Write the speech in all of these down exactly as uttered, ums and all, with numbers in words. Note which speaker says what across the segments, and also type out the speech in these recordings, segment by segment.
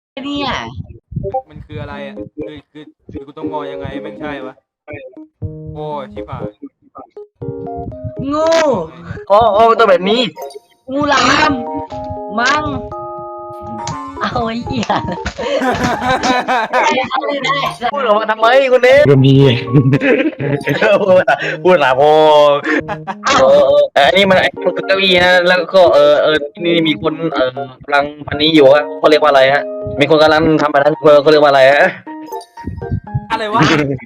Speaker 1: เนี่ย
Speaker 2: มันคืออะไรอ่ะคือคือคือกูต้องงอยังไงแม่งใช่ปะโอ้ยชิบหาย
Speaker 1: งู
Speaker 3: อ๋ออ๋อตัวแบบนี้
Speaker 1: งูหลามมังเอาไอ้เหี้ยเอาเลยได้
Speaker 3: พูดออกมาทำไมคุณเนม
Speaker 4: ก็มี
Speaker 3: พูดพูดหนาพอเออเอออันนี้มันไอ้มันคือเก้าอี้นะแล้วก็เออเออนี่มีคนเออกำลังพันนี้อยู่ฮะเขาเรียกว่าอะไรฮะมีคนกำลังทำแบบนั้นเขาเรียกว่าอะไรฮะ
Speaker 2: อะไรวะ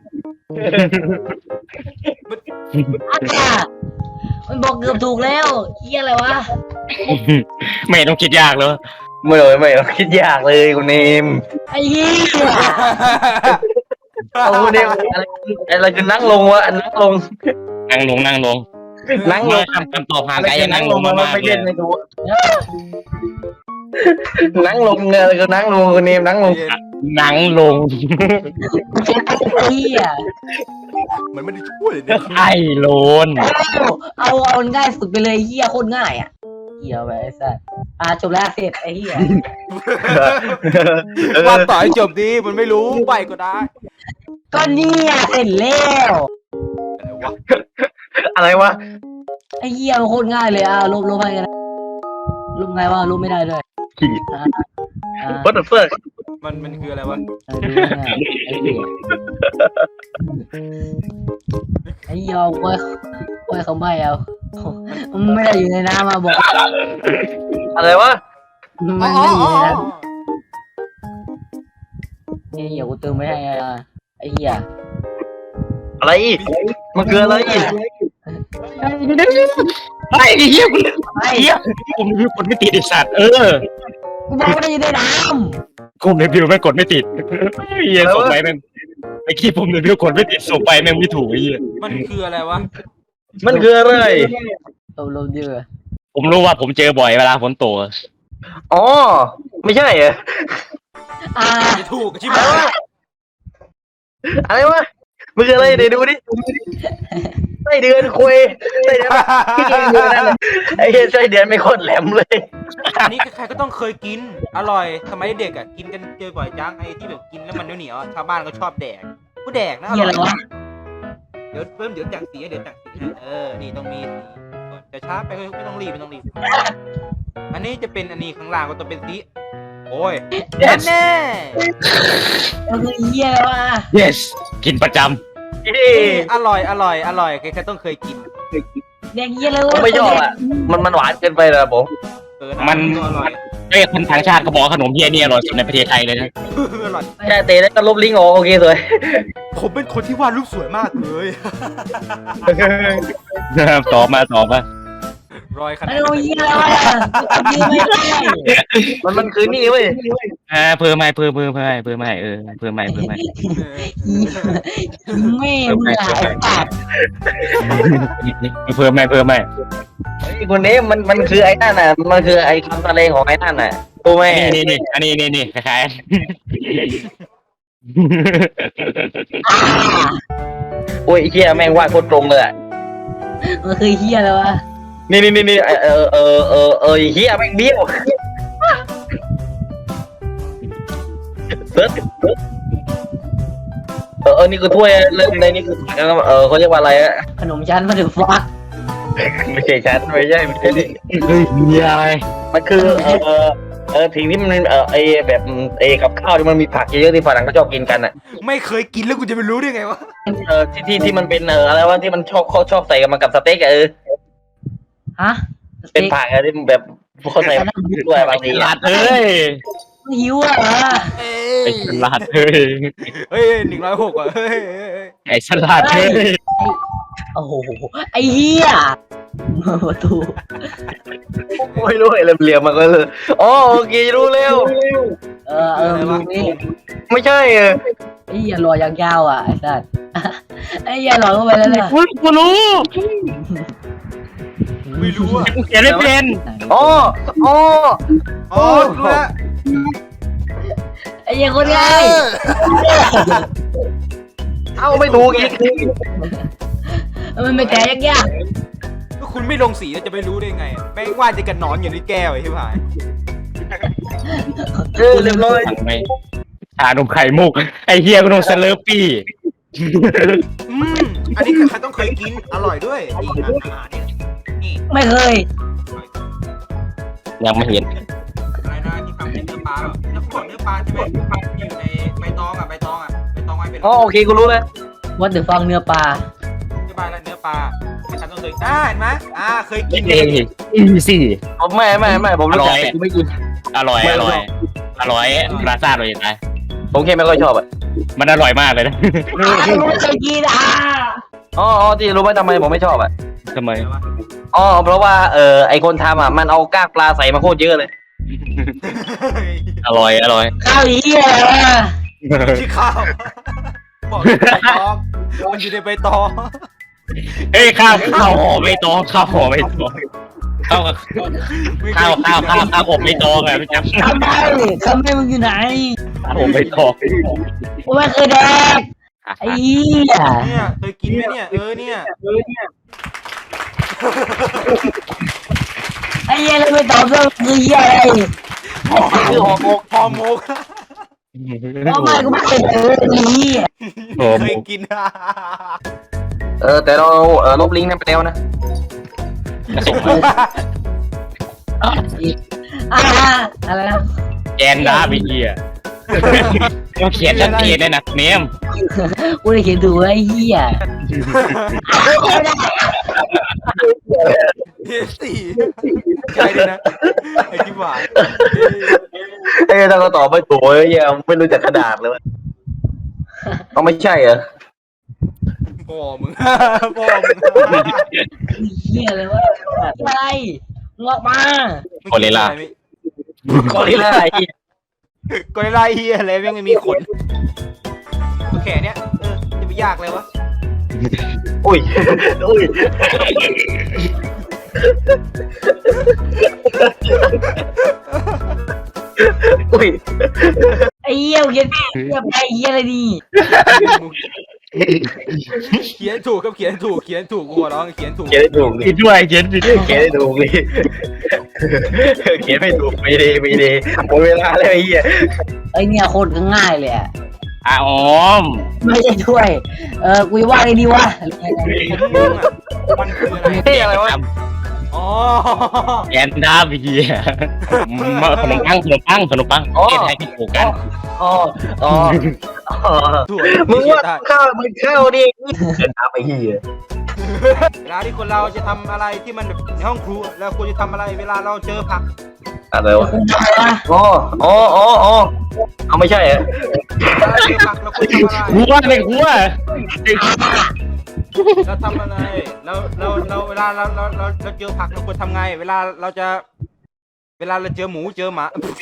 Speaker 1: อ่ะมันบอกเกือบถูกแล้วเหี้ยอะไรวะ
Speaker 4: ไม่ต้องคิดยากเลย
Speaker 3: ไม่เลยไม่ต้องคิดยากเลยคุณเนม
Speaker 1: ไอ้เหี้ย
Speaker 3: เอาคุณเนมอะไรอะไรคือนั่งลงวะนั่งลง
Speaker 4: นั่งลงนั่งลง
Speaker 3: นั่งลง
Speaker 4: ทำคำตอบห่าง
Speaker 3: อะไร
Speaker 4: ไกล
Speaker 3: คื
Speaker 4: ยั
Speaker 3: อง นั่
Speaker 4: นั่
Speaker 3: ง
Speaker 4: ง
Speaker 3: ล
Speaker 4: ล
Speaker 3: ง
Speaker 4: ง
Speaker 3: มัน
Speaker 4: มาก
Speaker 3: ไม่
Speaker 4: ๆเล
Speaker 3: เล่
Speaker 4: ย
Speaker 3: นในตัวนั่งลงไงอะไรคือนั่งลงคุณเนมนั่งลง
Speaker 4: นั่งลง
Speaker 1: ไอ้เหี้ย
Speaker 2: มันไม่ได้ช่วยเลยเนี่ย
Speaker 4: ไอ้โลน
Speaker 1: เอาเอาเอาง่ายสุดไปเลยเหี้ยโคตรง่ายอ่ะเหี้ยไปไอ้สัสอ่ะจบแล้วเสร็จไอ้เหี้ย
Speaker 2: ว่าต่อให้จบดีมันไม่รู้ไปก็ได้
Speaker 1: ก็เนี่ยเสร็จแล้ว
Speaker 2: อะไรวะ
Speaker 3: อะไรวะ
Speaker 1: ไอ้เหี้ยมันโคตรง่ายเลยอ่ะลบลบให้กันนะลบไงวะลบไม่ได้ด้วยอ่าอ่า
Speaker 3: What the fuck
Speaker 2: มันมันคืออะไรวะ
Speaker 1: เออดูง่ายไอ้เหี้ยไอ้เหี้ยโว้ยโว้ยเขาไม่เอามันไม่ได้อยู่ในน้ำมาบอก
Speaker 3: อะไรวะ
Speaker 1: มันไม่ได้อยู่ในน้ำไอ้เหี้ยกูเติมไม่ให้อ่ะไอ้เหี้ย
Speaker 3: อะไรอีกมันคืออะไรอีก
Speaker 4: ไอ้เหี้ยกู
Speaker 1: ไอ้
Speaker 4: เหี้ยผมรีวิวกดไม่ติดไอ้สัตว์เออ
Speaker 1: กูบอกไม่ได้อยู่ในน้
Speaker 4: ผมรีวิวไม่กดไม่ติดเหี้ยส่งไปแม่งไอ้ขี้ผมรีวิวกดไม่ติดส่งไปแม่งไม่ถูกไอ้เหี้ย
Speaker 2: มันคืออะไรวะ
Speaker 3: มันคืออะไร
Speaker 1: ำลบลบเยอะ
Speaker 4: ผมรู้ว่าผมเจอบ่อยเวลาฝนตก
Speaker 3: อ๋อไม่ใช่เหรอ
Speaker 1: อ่า
Speaker 2: จะถูกชิบ
Speaker 3: อะไร
Speaker 2: หายว
Speaker 3: ะอะไรวะมันคืออะไรเดี๋ยวดูดิไส้เดือนคุยไส้เดือนไอ้เหี้ยไส้เดือนไม่โคตรแหลมเลย
Speaker 2: อันนี้ใครๆก็ต้องเคยกิน อร่อยสมัยเด็กอ่ะกินกันเจอบ่อยจังไอ้ที่แบบกินแล้วมันเหนียวๆอะชาวบ้านก็ชอบแดกกูแดกนะอ
Speaker 1: เหี้ย
Speaker 2: ร่
Speaker 1: อะ
Speaker 2: อย
Speaker 1: ไรวะ
Speaker 2: เดี๋ยวเพิ่มเดี๋ยวจังสีให้เดี๋ยวจังสีให้เออนี่ต้องมีสีจะช้าไปก็ไม่ต้องรีบไม่ต้องรีบอันนี้จะเป็นอันนี้ข้างล่างก็จะเป็นสีโอ้ยแน่แน่
Speaker 1: มันคือเหี้ยอะไรวะ
Speaker 4: yes กินประจ
Speaker 2: อร่อยอร่อยอร่อยใครๆต้องเคยกิน
Speaker 1: แดงเหี้ยเลย
Speaker 3: ผมไม่ชอบอ่ะมันมันหวานเกินไปเลยผม
Speaker 2: เออนะก็อร่อย
Speaker 4: ำไอ้คนต่างชาติเขาบอกขนมเหี้ยนี่อร่อยสุดในประเทศไทยเลยนะ
Speaker 2: อร่อย
Speaker 3: แค่เตะแล้วก็ลบลิงก์ออกโอเคสวย
Speaker 2: ผมเป็นคนที่วาดรูปสวยมากเลย
Speaker 4: ต่อมาต่อมา
Speaker 2: รอยขนา
Speaker 1: ไอ้
Speaker 2: ด
Speaker 1: โอ้ยเหี้ยอะไรวะยืนไม่ได้
Speaker 3: มันมันคือนี่เว้ย
Speaker 4: อ่าเพิ่มไม่เพิ่มเพิ่มเพิ่มไม่เพิ่มไม่เออเพิ่มไม่เพิ่มไม่
Speaker 1: แม่มึงอะไอ้สัตว์
Speaker 4: เพิ่มไม่เพิ่มไม่
Speaker 3: ไอ้คนนี้มันมันคือไอ้นั่นน่ะมันคือไอ้คำตะเลงของไอ้นั่นน่ะโอ้แม่
Speaker 4: นี่นี่นี่อันนี้นี่นี่คล้าย
Speaker 1: อ่า
Speaker 3: โอ้ยไอ้เหี้ยแม่งวาดโคตรตรงเลยอะ
Speaker 1: มันคือเหี้ยอะไรวะ
Speaker 3: นี่นี่นี่นี่เออเออเออเออเออเฮียแม่งเบี้ยวเบิร์ดเออเออนี่คือถ้วยเรื่องในนี่คือเออเขาเรียกว่าอะไรอะ
Speaker 1: ขนมชั้นมาถึงฟัก
Speaker 3: ไม่ใช่ชั้นไม่ใช่ไม่ใช่นี่
Speaker 4: ๆเฮ้ยมีอะไร
Speaker 3: มันคือเออเออเออทิ้งที่มันเออไอแบบไอกับข้าวที่มันมีผักเยอะๆที่ฝรั่งก็ชอบกินกันอ่ะ
Speaker 2: ไม่เคยกินแล้วกูจะไปรู้ได้ไงวะ
Speaker 3: เออที่ที่ที่มันเป็นเอออะไรวะที่มันชอบเขาชอบใส่กันมากับสเต็กอะเออ
Speaker 1: ฮะ
Speaker 3: เป็นผักอะที่มันแบบเขาใส่มาด้วยบางที
Speaker 4: ฉลา
Speaker 3: อะ
Speaker 4: ดเอ้ย
Speaker 1: หิวอ่ะ
Speaker 2: เอ้
Speaker 4: ไอ้
Speaker 2: ย
Speaker 4: ฉลาดเอ้ย
Speaker 2: เฮ้ยหนึ่งร้อยหกอ่ะเฮ้ยเฮ้ยเฮ้ย
Speaker 4: ไอ้ฉลาดเอ้ย
Speaker 1: โอ้โหไอ้เหี้ยประตู
Speaker 3: ไม่รู้ไอ้เหลี่ยมๆมันก็เลยอ๋อโอเครู้แล้ว
Speaker 1: เออเออดูนี่
Speaker 3: ไม่ใช่เออ
Speaker 1: ไอ้เหี้ยรอยยาวๆอ่ะไอ้สัตว์ไอ้เหี้ยรอเข้าไปแล้วเนี่ย
Speaker 4: กูกูรู้
Speaker 2: ไม่รู้อ่ะ
Speaker 4: กูเขียนไม่เป็น
Speaker 3: อ๋ออ๋อ
Speaker 2: อ๋อรู้แล้ว
Speaker 1: ไอ้เหี้ยคนง่าย
Speaker 3: เอ้าไม่ถูกอีก
Speaker 1: มันไม่แก่ยาก
Speaker 2: ก็คุณไม่ลงสีแล้วจะไปรู้ได้ไงแม่งว่าจะกันหนอนอยู่ในแก้วไอ้ที่ผาย
Speaker 3: เออเรียบร้อย
Speaker 4: สั่งไหมชานมไข่มุกไอ้เฮียก็ต้องเซเลอร์ปี้
Speaker 2: อืมอันนี้ใครต้องเคยกินอร่อยด้วยนี่อาหารเนี่ยนี่
Speaker 1: ไม่เคย
Speaker 4: ยังไม่เห็น
Speaker 2: อะไรนะที่ทำเป็นเนื้อปลาแบบเนื้อขวดเนื้อปลาใช่ไหมอยู่ในใบตองอ่ะใบตองอ่ะใบตองไว้เป็น
Speaker 3: อ๋อโอเคกูรู้แล้ว
Speaker 1: วัดเดือฟังเนื้อปลา
Speaker 2: อธิบายแล้วเนื้อปลาใครต้องเคยอ่าเห็นไหมอ่าเคยกิน
Speaker 4: เองอีซี่
Speaker 3: ผมไม่ไม่ไม่ผมรู้จักแต่กูไม่กิน
Speaker 4: อร่อยอร่อยอร่อยราซาเลยนะ
Speaker 3: ผมแค่ไม่ค่อยชอบอ่ะ
Speaker 4: มันอร่อยมากเลยนะ
Speaker 1: ไม่เคยกินอ่ะ
Speaker 3: อ๋ออ๋อที่รู้ไหมทำไมผมไม่ชอบอ่ะ
Speaker 4: ทำไม
Speaker 3: อ๋อเพราะว่าเออไอคนทำอ่ะมันเอากากปลาใส่มาโคตรเยอะเลย
Speaker 4: อร่อยอร่อย
Speaker 1: ข้าวเหี้ยอะไรวะ
Speaker 2: ที่ข้าวบอกอยู่ในใบตองมันอยู่ในใบตอง
Speaker 4: เอ้ยข้าวข้าวห่อไม่ตองข้าวห่อไม่ตองข้าวข้าวข้าวข้าวข้าวอบไม่ตองอะรู้จัก
Speaker 1: ทำไมทำไมมึงอยู่ไหน
Speaker 4: ข้าวอบไม่ตอง
Speaker 1: กูไม่เคยแดกไอ้เหี้ย
Speaker 2: เนี่ยเคยกินไหมเนี่ยเออเนี่ยเออเนี่ย
Speaker 1: ไอ้เหี้ยแล้วไม่ตอบเรื่องคือเหี้ยอะไร
Speaker 2: คือหอมกหอมก
Speaker 1: ทำไมกูไม่เคยเจอไอ้เหี้ย
Speaker 4: โอ้
Speaker 2: เคยกิน
Speaker 3: เออแต่เราเออลบลิงก์นั้นไปแล้วนะ
Speaker 4: ส่งมา
Speaker 1: อ่าอะไรนะ
Speaker 4: แกนดาไปเฮียเขาเขียนชัดเจนเลยนะเนม
Speaker 1: กูได้เขียนถูกไอ้เหี้ย
Speaker 2: เฮสี่ใช่เลยนะไอ้ที่หวาน
Speaker 3: เอ้ยถ้าเขาตอบไม่ถูกเอ้ยยังไม่รู้จักขนาดเลยเขาไม่ใช่เหรอ
Speaker 2: พ่อมึงพ่อมึง
Speaker 1: เหี้ยเลยวะอะไรงอกมา
Speaker 4: โคเรล่า
Speaker 3: กอริลลาไอ้
Speaker 2: กอริลลาเฮียอะไรยังไม่มีขนตัวแขนเนี้ยเออจะไปยากเลยวะ
Speaker 3: อุ้ยอุ้ยอุ้ย
Speaker 1: ไอ้เหี้ยเขียนเหี้ยไปเหี้ยอะไรดี
Speaker 2: เขียนถูกครับเขียนถูกเขียนถูกกูขอร้องเขียนถูก
Speaker 3: เขียนได้ถูกดิ
Speaker 4: ผิดด้วยเขียนผิด
Speaker 3: เขียนได้ถูกดิเขียนไม่ถูกไม่ดีไม่ดีหมดเวลาแล้วไอ้เหี้ย
Speaker 1: ไอ้เนี่ยโคตรง่ายเลยอะ
Speaker 4: อ่ะอ๋อม
Speaker 1: ไม่ใช่ช่วย เออกูว่าไงดีวะ
Speaker 2: มันคืออะไร
Speaker 3: เฮ้ยอะไรวะ
Speaker 2: อ๋อ
Speaker 4: แกนดาไปเฮียมาขนมปังขนมปังขนมปังเกตให้ที่ถูกกัน
Speaker 3: อ๋ออ๋ออ๋อ
Speaker 2: ถั่ว
Speaker 3: มึงว่าข้าวมึงข้าวดิเดินตามไอ้เหี้ย
Speaker 2: เวลาที่คนเราจะทำอะไรที่มันแบบในห้องครัวแล้วควรจะทำอะไรเวลาเราเจอผัก
Speaker 3: อะไรวะ
Speaker 1: คุณทำอะไรวะ
Speaker 3: อ๋ออ๋ออ๋ออ๋อเอาไม่ใช่เหรอ
Speaker 2: เวลาเจอผักเราควรทำอะไร
Speaker 4: หัวในหัว
Speaker 2: เราทำอะไรเราเราเราเวลาเราเราเราเราเจอผักเราควรทำไง เวลาเราจะ เวลาเราเจอหมูเจอหมา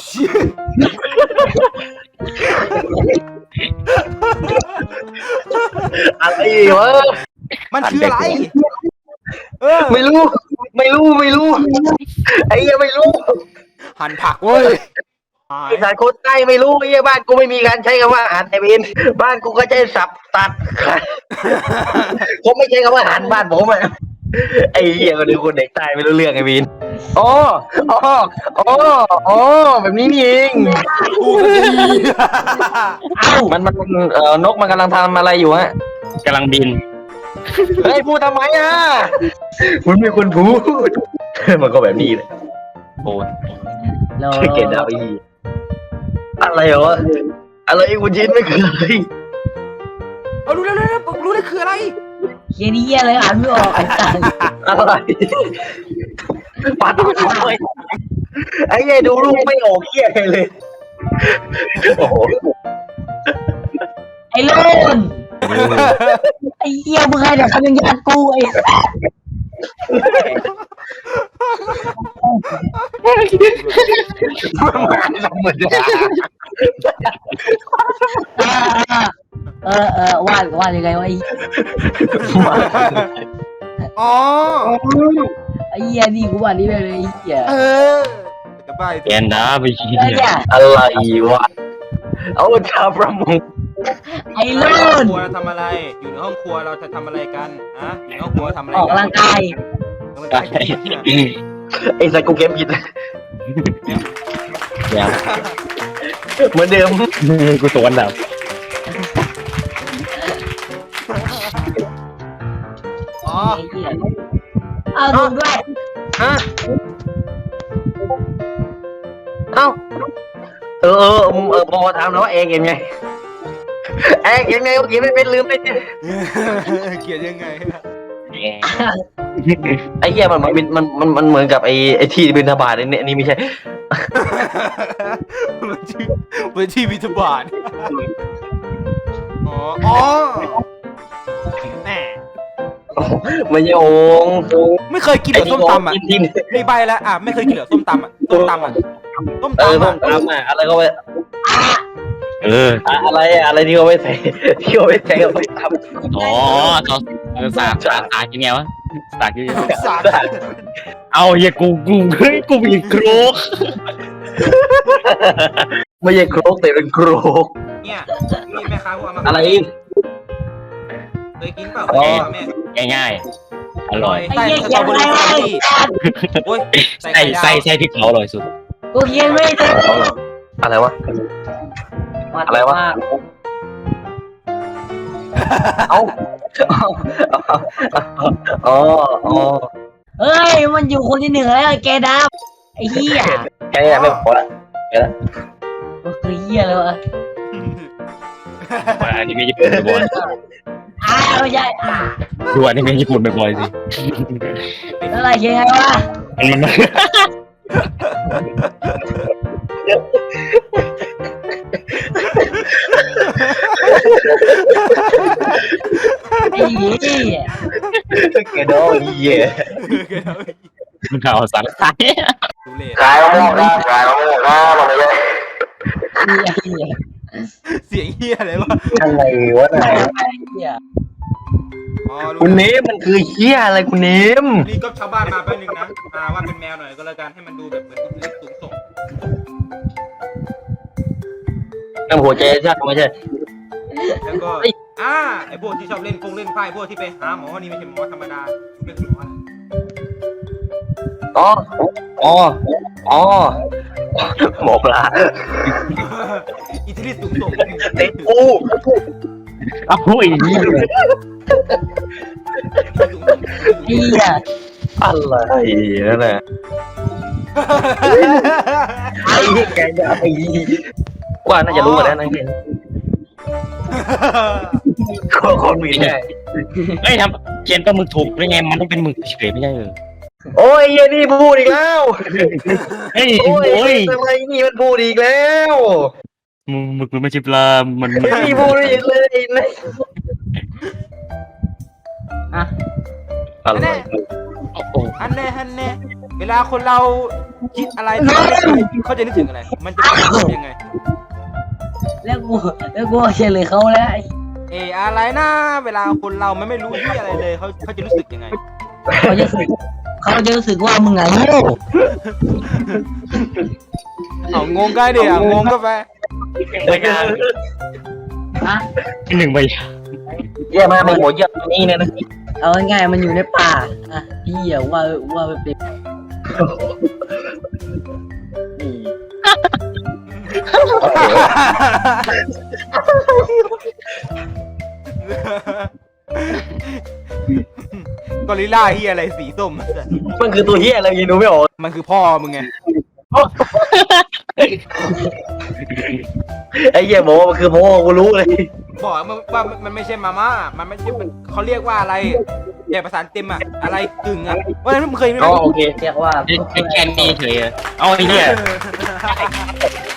Speaker 3: อะไรวะ
Speaker 2: มันคืออะไร เออ
Speaker 3: ไม่รู้ ไม่รู้ไม่รู้ไอ้เหี้ยไม่รู้
Speaker 2: หั่นผักเว้ย
Speaker 3: ไอ้สารโคตรใต้ไม่รู้ไอ้เหี้ยบ้านกูไม่มีการใช้คำว่าอาหารไอเวนบ้านกูก็ใช้สับตัดผมไม่ใช้คำว่าอาหารบ้านผมอะไอ้เหี้ยก็ดูคนเด็กใต้ไม่รู้เรื่องไอ้วินอ๋ออ๋ออ๋ออ๋อแบบนี้นี่เอง
Speaker 2: กูก็ดี
Speaker 1: เอ้า
Speaker 3: มันมันเอ่อนกมันกำลังทำอะไรอยู่ฮะ
Speaker 4: กำลังบิน
Speaker 3: เฮ้ยพูดทำไมอ่ะคุณมีคนพูดมันก็แบบนี้เลย
Speaker 4: โอ้ย
Speaker 1: เรา
Speaker 3: เก่งเอาอีอะไรวะอะไรคุณชินไม่เคย
Speaker 2: เอารู้แล้วรู้แล้วรู้แล้วคืออะไร
Speaker 1: เขียนเหี้ยอะไรอ่านไม่ออกไอ้สัส
Speaker 3: อะไรปาดทำไมไอ้ยัยดูรูปไม่ออกเหี้ยเลยโอ้โห
Speaker 1: ไอ้โลนไอ้เหี้ยมึงให้แต่คำยังยัดกูไอ้สัส
Speaker 3: ธรรมดา
Speaker 1: เออเออวาดวาดยังไงวะไอ้
Speaker 2: อ๋อ
Speaker 1: ไอ้เหี้ยนี่กูวาดนี่ไปเลยไอ้เหี้ย
Speaker 2: เออจะไป
Speaker 4: แกนดาไปเฮี
Speaker 1: ไอ้
Speaker 4: ย
Speaker 1: เนี่ย
Speaker 3: อะไรวะเอาชาวประมง
Speaker 1: ไอ้โล
Speaker 2: ห้อง
Speaker 1: น
Speaker 2: ครัวเราทำอะไร อยู่ในห้องครัวเราจะทำอะไรกันฮะอยู่ในห้องครัวทำอะไร
Speaker 1: ออก
Speaker 2: กั
Speaker 1: กำลังกาย
Speaker 2: ออกกำลังกาย
Speaker 3: ไอ้สัตว์กูเกมผิด
Speaker 4: เนี่ย
Speaker 3: เหมือนเดิม
Speaker 4: กูสวนแบบ
Speaker 2: อ๋อ
Speaker 1: ไอ้เหี้ยเอาดูด้วย
Speaker 3: ฮะเอ้าเออเออเออพอถามแล้วว่าเองยังไงเองยังไงเมื่อกี้ไม่เป็นลืมไป
Speaker 2: เขียนยังไง
Speaker 3: ไอ้เหี้ยมันมันมันมันมันเหมือนกับไอ้ไอ้ที่บินทบาทเนี่ยนี่ไม่ใช่
Speaker 2: มันชื่อมันชื่อวิทบาทอ๋ออ๋อแน่
Speaker 3: ไม่ใช่โองค์
Speaker 2: ไม่เคยกินเหรอส้มตำอ่ะ
Speaker 3: ที่
Speaker 2: นี่ใบแล้วอ่ะไม่เคยกินเหรอส้มตำอ่ะส้มตำอ่ะส้ม
Speaker 3: เออ
Speaker 2: ตำ
Speaker 3: ต้
Speaker 2: อ่ะ
Speaker 3: มตำอ่ะอะไรก็ไป
Speaker 4: เออ
Speaker 3: อะไรอะอะไรที่เขาไปใส่ที่เขาไปใส่กับส้มต
Speaker 4: อ๋อเขาเออสากสากสากยังไงวะสากยังไง
Speaker 2: สาร
Speaker 3: ำ
Speaker 4: เอาเฮียกูกูเฮ้ยกูมีโครก
Speaker 3: ไม่ใช่โครกแต่เป็นโครก
Speaker 2: เนี่ยนี่แม่ค้าพวกเอามา
Speaker 3: อะไร
Speaker 2: เคยกินเปล่าเคยกินเปล่าแม่
Speaker 4: ง่ายๆอร่อย
Speaker 2: ใส่สตรอเบอรี่สตรอเบอรี่โอ้ยใส่
Speaker 4: ใส่
Speaker 2: ไข่ดาว
Speaker 4: ใส่ใส่ที่เขาอร่อยสุด
Speaker 1: กูเขียนไม่ได้
Speaker 3: อะไรวะ อะไรวะ เอ้าอ๋ออ๋อ
Speaker 1: เฮ้ยมันอยู่คนที่หนึ่งแล้วแกดับไอ้เหี้ย
Speaker 3: แค่นี้ไม่พอละ
Speaker 1: มันคือเหี้ยเลยวะ
Speaker 4: มาอนิเมะญี่ปุ่นบ่อย
Speaker 1: อ้าวไม่ใช่อ่า
Speaker 4: ๆดูอนิเมะญี่ปุ่นบ่อยๆสิ
Speaker 1: อะไรเขียนไงวะ
Speaker 4: มันมัน
Speaker 1: ไอ้เหี้ย
Speaker 3: แกโดนเหี้ย
Speaker 4: มันเอาสารสาย
Speaker 2: ดูเลย
Speaker 3: ขายมะม่วงครับขายมะม่วงครับมันไม่ใช่
Speaker 1: ไอ้เหี้ย
Speaker 2: เสียงเฮียอะไรวะ
Speaker 3: อะไรวะน่ะ
Speaker 1: ไอ้เหี้ย
Speaker 2: อ๋อรู้
Speaker 3: คุณเนมมันคือเหี้ยอะไรคุณเนม
Speaker 2: นี่ก็ชาวบ้านมาแป๊บนึงนะมาว่าเป็นแมวหน่อยก็แล้วกันให้มันดูแบบเหมือนตัวเล็กสูงส่ง
Speaker 3: น้ำหัวใจชักไม่ใช่
Speaker 2: แล้วก็อ่าไอพวกที่ชอบเล่นฟงเล่นไพ่พวกที่ไปหาหมอนี่ไม่ใช่หมอธรรมดาเป็นหมอ
Speaker 3: อ๋ออ๋ออ๋อหมอปลา
Speaker 2: อิทธิฤทธิ์สูงส่ง
Speaker 3: เต็กู
Speaker 4: เอาไอ้นี่
Speaker 1: ไอ้เหี้ย
Speaker 3: อะไรนั่นแหละไอ้แกจะไอ้ว่าน่าจะรู้กันแล้วนะเนี่ยคนมีได้
Speaker 4: เอ้ยทำเขียนตัวมึกถูกได้ไงมันต้องเป็นมึกเฉยไม่ใช่เหรอ
Speaker 3: โอ้ยเหี้ยนี่พูดอีกแล้ว
Speaker 4: เฮ้ย
Speaker 3: โอ้ย
Speaker 4: โอ้ย
Speaker 3: อะไรนี่มันพูดอีกแล้ว
Speaker 4: มึงมึกมันไม่ใช่ปลามันมัน
Speaker 3: นี่พูดอีกเลยนะ
Speaker 1: อ่ะ
Speaker 3: อะไร
Speaker 4: โอ้โห
Speaker 2: อันแน่อันแน่เวลาคนเราคิดอะไรเขาจะนึกถึงอะไร มันจะเป็นยังไง
Speaker 1: แล้วกูแล้วกูเฉลยเขาแล้วไอ้
Speaker 2: เอออะไรนะเวลาคนเรามันไม่รู้ที่อะไรเลยเขาเขาจะรู้สึกยังไง
Speaker 1: เขาจะรู้สึกเขาจะรู้สึกว่ามึงไงโง่
Speaker 2: เอางงก็ได้ดิอ่ะงงก็ไป
Speaker 3: ไม่ใช่
Speaker 1: ฮะ
Speaker 4: หนึ่งใบ
Speaker 3: เยี่ยมากมึงหมดเยี่ยมนี่เนี่ยนะ
Speaker 1: เอาง่ายๆมันอยู่ในป่าอ่ะเหี้ยว่าว่าไปเป็นนี่
Speaker 2: กอริลล่าเฮียอะไรสีส้ม
Speaker 3: มันคือตัวเหี้ยอะไรยังดูไม่ออก
Speaker 2: มันคือพ่อมึงไง
Speaker 3: ไอ้เหี้ยบอกว่ามันคือพ่อกูรู้เลย
Speaker 2: บอกว่าว่ามันไม่ใช่มาม่ามันไม่ใช่เขาเรียกว่าอะไรแยกภาษาเต็มอะอะไรกึ่งอะว่านั้นมึงเคยไหม
Speaker 3: อ๋อโอเค
Speaker 1: เรียกว่า
Speaker 4: ไอ้แค่นี้เฉยเอาไอ้เนี่ย